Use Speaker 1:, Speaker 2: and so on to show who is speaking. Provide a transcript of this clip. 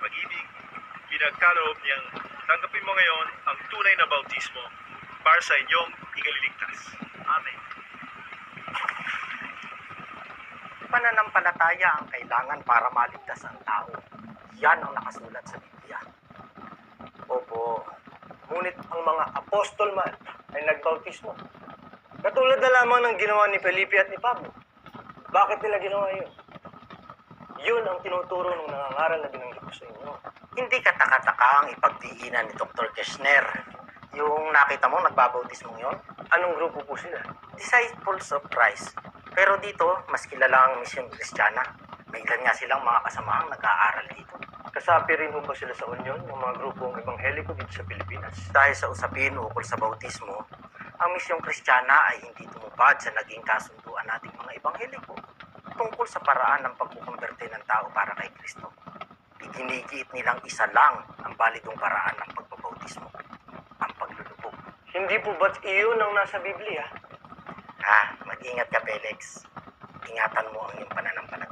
Speaker 1: pag-ibig, pinagkaloob niyang tanggapin mo ngayon ang tunay na bautismo para sa inyong ikaliligtas. Amen.
Speaker 2: Pananampalataya ang kailangan para maligtas ang tao. Yan ang nakasulat sa Biblia.
Speaker 3: Opo. Ngunit ang mga apostol man ay nagbautismo. Katulad na lamang ng ginawa ni Felipe at ni Pablo. Bakit nila ginawa yun? Yun ang tinuturo ng nangangaral na binanggit ko sa inyo.
Speaker 2: Hindi kataka-taka ang ipagdiinan ni Dr. Kirchner. Yung nakita mo, nagbabautismo yun?
Speaker 3: Anong grupo po sila?
Speaker 2: Disciples of Christ. Pero dito, mas kilala ang misyon Kristiyana. May ilan nga silang mga kasamahang nag-aaral dito.
Speaker 3: Kasapi rin ho ba sila sa Union, ng mga grupong ebangheliko dito sa Pilipinas?
Speaker 2: Dahil sa usapin ukol sa bautismo, ang misyong Kristiyana ay hindi tumupad sa naging kasunduan nating mga ebangheliko tungkol sa paraan ng pagkukumberte ng tao para kay Kristo. Iginigiit nilang isa lang ang balidong paraan ng pagbabautismo, ang paglulubog.
Speaker 3: Hindi po ba't iyon ang nasa Biblia?
Speaker 2: Mag-ingat ka, Felix. Ingatan mo ang iyong pananampalataya.